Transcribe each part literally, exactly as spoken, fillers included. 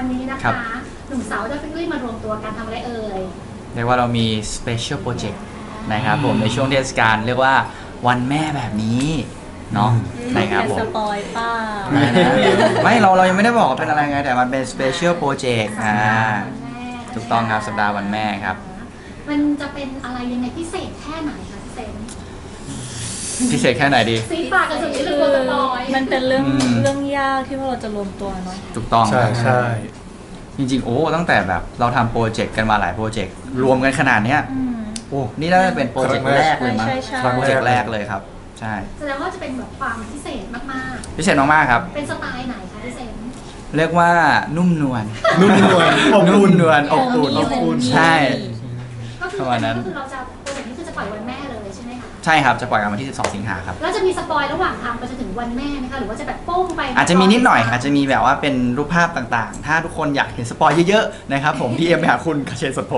นี้นะคะหนุ่มสาวจะฟิกลี่มารวมตัวกันทำอะไรเอ่ยเรียกว่าเรามี special project นะครับผมในช่วงเทศกาลเรียกว่าวันแม่แบบนี้เนาะนะครับผมสปอยป้าไม่เราเรายังไม่ได้บอกว่าเป็นอะไรไงแต่มันเป็น special project อ่าถูกต้องครับสัปดาห์วันแม่ครับมันจะเป็นอะไรยังไงพิเศษแค่ไหนคะพี่เซนพิเศษแค่ไหนดีซีปากกันสุดที่เรื่องสปอยมันเป็นเรื่องเรื่องยากที่พวกเราจะรวมตัวเนาะถูกต้องใช่ใช่จริงๆโอ้ตั้งแต่แบบเราทำโปรเจกต์กันมาหลายโปรเจกต์รวมกันขนาดเนี้ยโอ้นี่น่าจะเป็นโปรเจกต์แรกเลยมั้งโปรเจกต์แรกเลยครับใช่แสดงว่าจะเป็นแบบความพิเศษมากๆพิเศษมากๆครับเป็นสไตล์ไหนคะพี่เซนเรียกว่านุ่มนวลนุ่มนวลนุ่มนวลอบอุ่นอบอุ่นใช่ก็คือก็คือเราจะโปรเจกต์นี้คือจะปล่อยวันแม่เลยใช่ไหมคะใช่ครับจะปล่อยกันวันที่สิบสองสิงหาครับแล้วจะมีสปอยระหว่างทางไปจนถึงวันแม่ไหมคะหรือว่าจะแบบโป้งไปอาจจะมีนิดหน่อยอาจจะมีแบบว่าเป็นรูปภาพต่างๆถ้าทุกคนอยากเห็นสปอยเยอะๆนะครับผมพีเอ็มไปหาคุณคาเชนสดโพ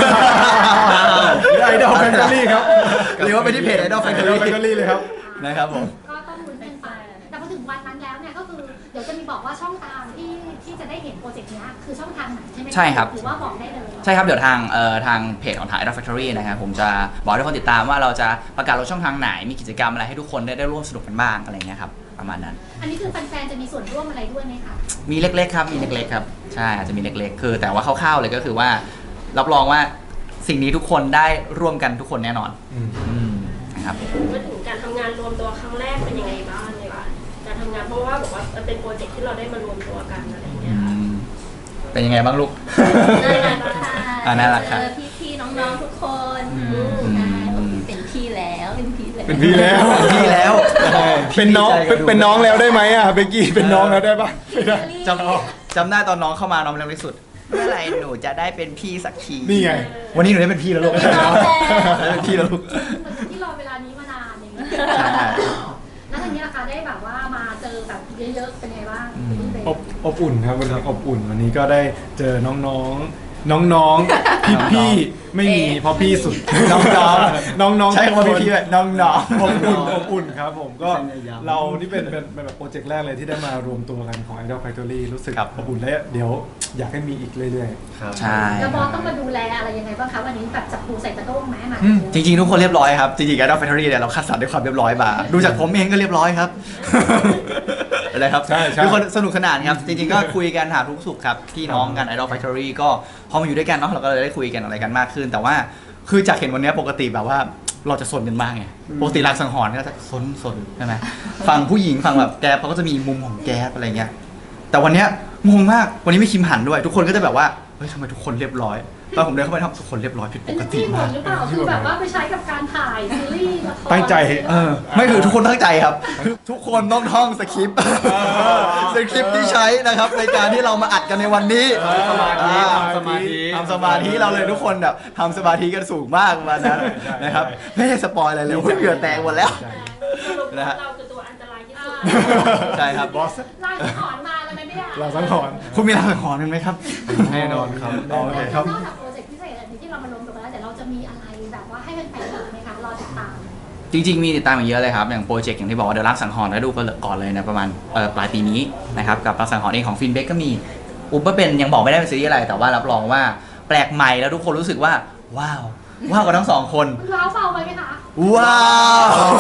ไอดอลแฟนตาซีครับหรือว่าไปที่เพจไอดอลแฟนตาซีเลยครับนะครับผมก็ต้องลุ้นกันไปแต่พอถึงวันนั้นแล้วเนี่ยก็คือเดี๋ยวจะมีบอกว่าช่องทางที่ที่จะได้เห็นโปรเจกต์นี้คือช่องทางไหนใช่ไหมใช่ครับหรือว่าบอกได้เลยใช่ครับเดี๋ยวทางเอ่อทางเพจของทาง Idol Factory นะครับผมจะบอกให้ทุกคนติดตามว่าเราจะประกาศลงช่องทางไหนมีกิจกรรมอะไรให้ทุกคนได้ได้ร่วมสนุกกันบ้างอะไรเงี้ยครับประมาณนั้นอันนี้คือแฟนๆจะมีส่วนร่วมอะไรด้วยไหมคะมีเล็กๆครับมีเล็กๆครับใช่อาจจะมีเล็กๆคือแต่ว่าคร่าวๆเลยก็คือว่ารับรองว่าสิ่งนี้ทุกคนได้ร่วมกันทุกคนแน่นอนนะครับมาถึงการทำงานรวมตัวครั้งแรกเป็นยังไงบ้างเลยค่ะการทำงานเพราะว่าบอกว่ามันเป็นโปรเจกต์ที่เราได้มารวมตัวกันอะไรอย่างเงี้ยเป็นยังไงบ้างลูกน่ารักค่ะพี่ๆน้องๆทุกคนเป็นพี่แล้วเป็นพี่แล้วเป็นพี่แล้วเป็นพี่แล้วเป็นน้องเป็นน้องแล้วได้ไหมอ่ะเบกกี้เป็นน้องแล้วได้ปะจำจำได้ตอนน้องเข้ามาน้องเล็กที่สุดเมื่อไหร่หนูจะได้เป็นพี่สักทีนี่ไงวันนี้หนูได้เป็นพี่แล้วลูกได้เป็นพี่แล้วลูกที่รอเวลานี้มานานอย่างนี้แล้วทีนี้ราคาได้แบบว่ามาเจอแบบเยอะๆเป็นไงบ้างอบอบอุ่นครับวันนี้อบอุ่นวันนี้ก็ได้เจอน้องๆน้องๆพี่ๆไม่มีเพราะพี่สุดน้องๆน้องๆใช่คำว่าพี่ๆน้องๆอบอุ่นอบอุ่นครับผมก็เรานี่เป็นเป็นแบบโปรเจกต์แรกเลยที่ได้มารวมตัวกันของ Idol Factory รู้สึกอบอุ่นและเดี๋ยวอยากให้มีอีกเรื่อยๆครับใช่แล้วบอสต้องมาดูแลอะไรยังไงบ้างคะวันนี้แบบจับปูใส่กระด้งไหมมาจริงๆทุกคนเรียบร้อยครับจริงๆ Idol Factory เนี่ยเราคัดสรรด้วยความเรียบร้อยมาดูจากผมเองก็เรียบร้อยครับอะไรครับทุกคนสนุกสนานครับจริงๆก็คุยกันหาทุกสุขครับพี่น้องกัน Idol Factory ก็พอมาอยู่ด้วยกันเนาะเราก็เลยได้คุยกันอะไรกันมากขึ้นแต่ว่าคือจากเห็นวันนี้ปกติแบบว่าเราจะสนกันมากไงปกติรักสังหรณ์ก็จะสนสนใช่ไหมฝั่งผู้หญิงฝั่งแบบแกเขาก็จะมีมุมของแกอะไรเงี้ยแต่วันนี้งงมากวันนี้ไม่คิมหันด้วยทุกคนก็จะแบบว่าเฮ้ยทำไมทุกคนเรียบร้อยตอนผมเดินเข้าไปทำทุกคนเรียบร้อยผิดปกติมากหรือเปล่าคือแบบว่าไปใช้กับการถ่ายซีรีส์ละครตั้งใจเออไม่คือทุกคนตั้งใจครับคือทุกคนต้องท่องสคริปต์สคริปต์ที่ใช้นะครับในการที่เรามาอัดกันในวันนี้สมาธิทำสมาธิทำสมาธิเราเลยทุกคนแบบทำสมาธิกันสูงมากมานั้นนะครับไม่ได้สปอยอะไรเลยเหงื่อแตกหมดแล้วนะฮะเราคือตัวอันตรายที่สุดใช่ครับบอสลายสังหรณ์มาแล้วไหมเนี่ยลายสังหรณ์คุณมีลายสังหรณ์ไหมครับแน่นอนครับโอเคครับนอกจากโปรเจกต์พิเศษอันนี้ที่เรามารวมตัวกันแล้วเดี๋ยวเราจะมีอะไรแบบว่าให้แฟนๆดูไหมคะรอติดตามจริงๆมีติดตามอย่างเยอะเลยครับอย่างโปรเจกต์อย่างที่บอกว่าเดี๋ยวรักสังหรณ์ได้ดูกันก่อนเลยนะประมาณปลายปีนี้นะครับกับรักสังหรณ์เองของฟินเบกก็มีอุปเป็นยังบอกไม่ได้เป็นซีรีส์อะไรแต่ว่ารับรองว่าแปลกใหม่แล้วทุกคนรู้สึกว่าว้าวว้าวกับทั้งสองคนว้าวเบาไปไหมคะว้าว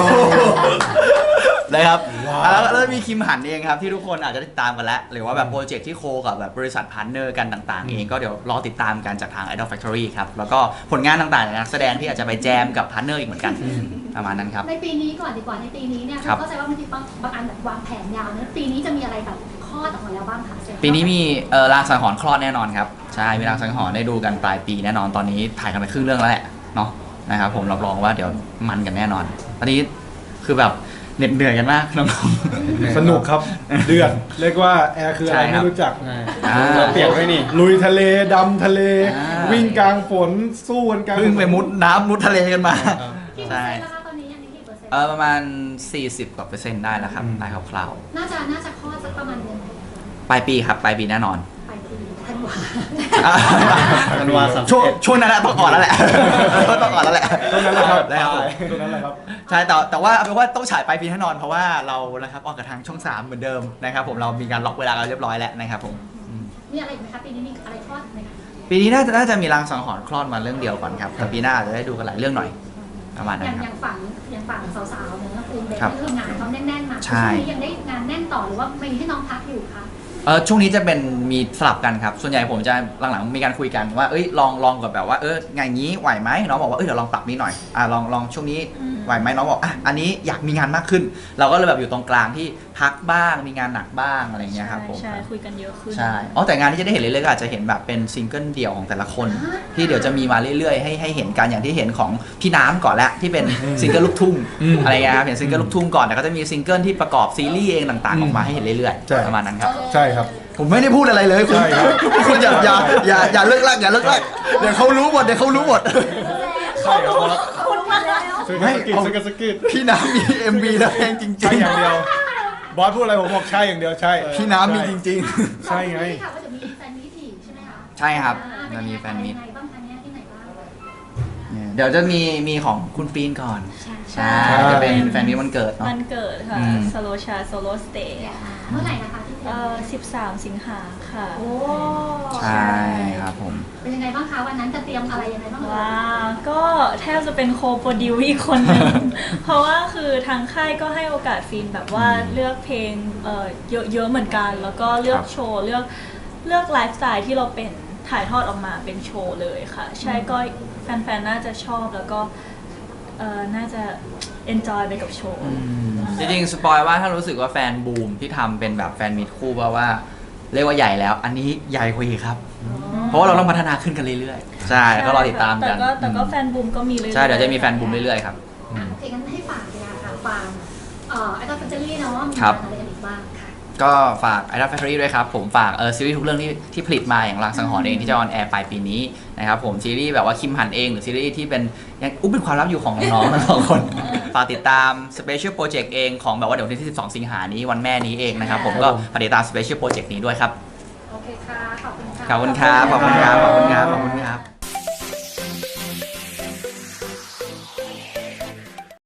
นะครับแล้วมีคิมหันเองครับที่ทุกคนอาจจะติดตามกันแล้วหรือว่าแบบโปรเจกต์ที่โคกับแบบบริษัทพาร์ทเนอร์กันต่างๆเองก็เดี๋ยวรอติดตามกันจากทาง Idol Factory ครับแล้วก็ผลงานต่างๆนักแสดงที่อาจจะไปแจมกับพาร์ทเนอร์อีกเหมือนกันประมาณนั้นครับในปีนี้ก่อนดีกว่าในปีนี้เนี่ยเข้าใจว่าบางทีบางบางอันแบบวางแผนยาวนะปีนี้จะมีอะไรแบบคลอดออกมาแล้วบ้างคะปีนี้มีเอ่อรางสังหรณ์คลอดแน่นอนครับใช่มีรางสังหรณ์ได้ดูกันปลายปีแน่นอนตอนนี้ถ่ายกันไปครึ่งเรื่องแล้วแหละเนาะนะครับผมรับรองว่าเดี๋ยวมันกันแน่นอนตอนนี้คือแบบเหน็ดเหนื่อยกันมากน้องๆสนุกครับเดือดเรียกว่าแอร์คืออะไรไม่รู้จักเราเปียกไว้นี่ลุยทะเลดำทะเลวิ่งกลางฝนสู้กันกลางพึ่งไปมุดน้ำมุดทะเลกันมาใช่ตอนนี้ยังกี่เปอร์เซ็นต์เออประมาณสี่สิบกว่าเปอร์เซ็นต์ได้แล้วครับได้คร่าวๆน่าจะน่าจะคลอดสักประมาณเดือนปลายปีครับปลายปีแน่นอนธันวาธันวาช่วงช่วงนั้นต้องก่อนแล้วแหละต้องก่อนแล้วแหละช่วงนั้นแหละครับช่วงนั้นแหละครับใช่แต่แต่ว่าเป็นว่าต้องฉายปลายปีแน่นอนเพราะว่าเรานะครับออกกับทางช่องสามเหมือนเดิมนะครับผมเรามีการล็อกเวลากันเรียบร้อยแล้วนะครับผมมีอะไรอีกไหมคะปีนี้มีอะไรทอดไหมคะปีนี้น่าจะน่าจะมีรางสังหรณ์คลอดมาเรื่องเดียวก่อนครับแต่ปีหน้าอาจจะได้ดูกันหลายเรื่องหน่อยประมาณอนั้ย่าน งคอรับย่างฝั่งอย่างฝั่งสาวๆเนี่ยก็คือเด็กครับที่ทำงานเขาแน่นๆมาใช่ช่วงนี้ยังได้งานแน่นต่อหรือว่ามีให้น้องพักอยู่คะเออช่วงนี้จะเป็นมีสลับกันครับส่วนใหญ่ผมจะหลังๆมีการคุยกันว่าเอ้ยลองลองกับแบบว่าเอองานนี้ไหวไหมน้องบอกว่าเอ้ยเดี๋ยวลองปรับนี้หน่อยอ่าลองลองช่วงนี้ไหวไหมน้องบอกอ่ะอันนี้อยากมีงานมากขึ้น เราก็เลยแบบอยู่ตรงกลางที่พักบ้างมีงานหนักบ้างอะไรอย่างเงี้ยครับผมใช่คุยกันเยอะขึ้นใช่อ๋อแต่งานที่จะได้เห็นเรื่อยๆก็อาจจะเห็นแบบเป็นซิงเกิลเดี่ยวของแต่ละคน ที่เดี๋ยวจะมีมาเรื่อยๆให้ให้เห็นกันอย่างที่เห็นของพี่น้ำก่อนแล้วที่เป็นซิงเกิลลูกทุ่งอืมอะไรเงี้ยครับเห็นซิงเกิลลูกทุ่งก่อนแต่ก็จะมีซิงเกิลที่ประกอบซีรีส์เองต่างๆออกมาให้เห็นเรื่อยใช่ๆประมาณนั้นครับใช่ครับผมไม่ได้พูดอะไรเลยคุณใช่ครับคุณอย่าอย่าอย่าอย่าเลิกลากอย่าเลิกลากเดี๋ยวเขารู้หมดเดี๋ยวเขารู้หมดใช่ครับบอสคุณมาแล้วสกิไม่ดสกิดเอาสกิดสกิดพี่น้ำมี เอ็ม วี แล้วเพลงจริงใช่อย่างเดียว บอสพูดอะไรผมบอกใช่อย่างเดียวใช่ๆพี่น้ำมีจริงใช่ไงค่ะว่าจะมีแฟนมิตรอีกใช่ไหมคะใช่ครับอ่ามันมีแฟนมิตรเป็ยังไงบ้างคะเนี่ยที่ไหนบ้างๆ เดี๋ยวจะมีมีของคุณฟีนก่อนใช่ใช่จะเป็นแฟนมิตรวันเกิดเนาะวันเกิดค่ะอืมสโลชาโซโลสเตย์เมื่อไหร่นะคะที่เอ่อสิบสามสิงหาค่ะโอ้ใช่ครับผมเป็นยังไงบ้างคะวันนั้นจะเตรียมอะไรยังไงบ้างเอ่ยว้าวก็แทบจะเป็นโคโปรดิวอีกคนหนึ่ง เพราะว่าคือทางค่ายก็ให้โอกาสฟินแบบว่าเลือกเพลงเอ่อเยอะๆเหมือนกัน แล้วก็เลือกโชว์เลือกเลือกไลฟ์สไตล์ที่เราเป็นถ่ายทอดออกมาเป็นโชว์เลยค่ะ ใช่ก็แฟนๆ น่าจะชอบแล้วก็เอ่อน่าจะ enjoy ไปกับโชว์จริงๆสปอยว่าถ้ารู้สึกว่าแฟนบูมที่ทำเป็นแบบแฟนมิตรคู่เพราะว่าเรียกว่าใหญ่แล้ว อันนี้ใหญ่กว่าอีกครับ เพราะว่าเราต้องพัฒนาขึ้นกันเรื่อยๆ ใช่ก็รอติดตามแต่กันก็แต่ก็แฟนบูมก็มีเรื่อยๆใช่เดี๋ยวจะมีแฟนบูมเรื่อยๆครับอ่ะโอเคงั้นให้ฝากเลยค่ะฝากเอ่อไอดอลแฟนเจอรี่เนาะมีครับงานอะไรกันอีกบ้างค่ะก็ฝาก Idol Factory ด้วยครับ ผมฝากเออซีรีส์ทุกเรื่องที่ที่ผลิตมาอย่างรังสังหรณ์เองที่จะออนแอร์ปลายปีนี้นะครับผมซีรีส์แบบว่าคิมหันเองหรือซีรีส์ที่เป็นยังอุ๊บเป็นความลับอยู่ของน้องๆทั้งสองคน ฝากติดตาม Special Project เองของแบบว่าเดี๋ยววันที่สิบสองสิงหานี้วันแม่นี้เองนะครับผมก็ฝากติดตาม Special Project นี้ด้วยครับโอเคค่ะ ขอบคุณค่ะขอบคุณครับขอบคุณครับขอบคุณครับขอบคุณครับ